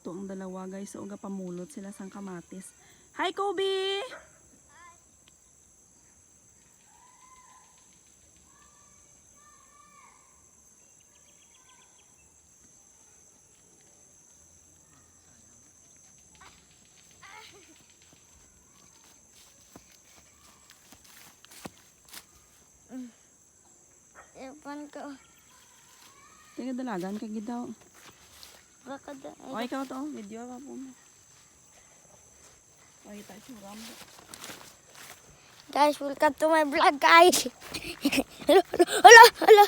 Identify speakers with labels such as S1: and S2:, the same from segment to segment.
S1: nagluto ang dalawa guys. So, pamulot sila sang kamatis. Hi, Kobe!
S2: Ewan ko.
S1: Tingnan dalagan ka gidaw.
S2: Baka da.
S1: O, ikaw to. Video ka po mo. Makita si Rambo.
S2: Guys, welcome to my vlog, guys. Hello, hello, hello.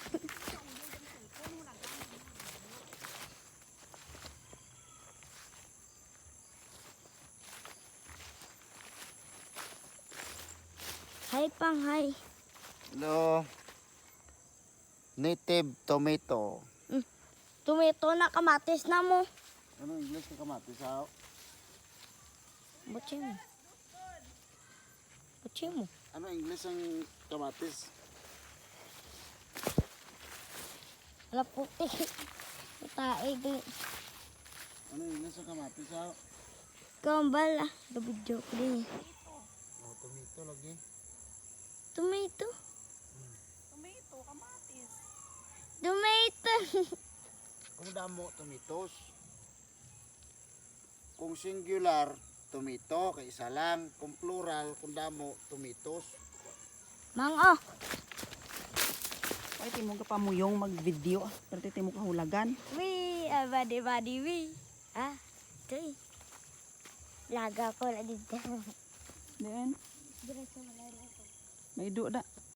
S2: Hi, Pang, hi.
S3: Hello. Native tomato.
S2: Tomato na kamatis na mo.
S3: Ano English ka kamatis ha?
S2: Butsi mo. Butsi mo.
S3: Ano English ang kamatis?
S2: Wala puti. Taig.
S3: Ano English ang kamatis ha?
S2: Kambal ah. Video ko din.
S3: Oh, tomato lagi.
S2: Tomato.
S1: Tomato, kamatis.
S2: Tomato.
S3: Kung damo, tomatoes. Kung singular, tomato, kay isa lang. Kung plural, kung damo, tomatoes.
S2: Mango.
S1: Ay, timong ka pamuyong mag-video. Pero timong kahulagan.
S2: Wee, badi wee. Ah, ito eh. Laga ko na dito.
S1: Then,
S2: Diretso mo na rin ako.
S1: may do da.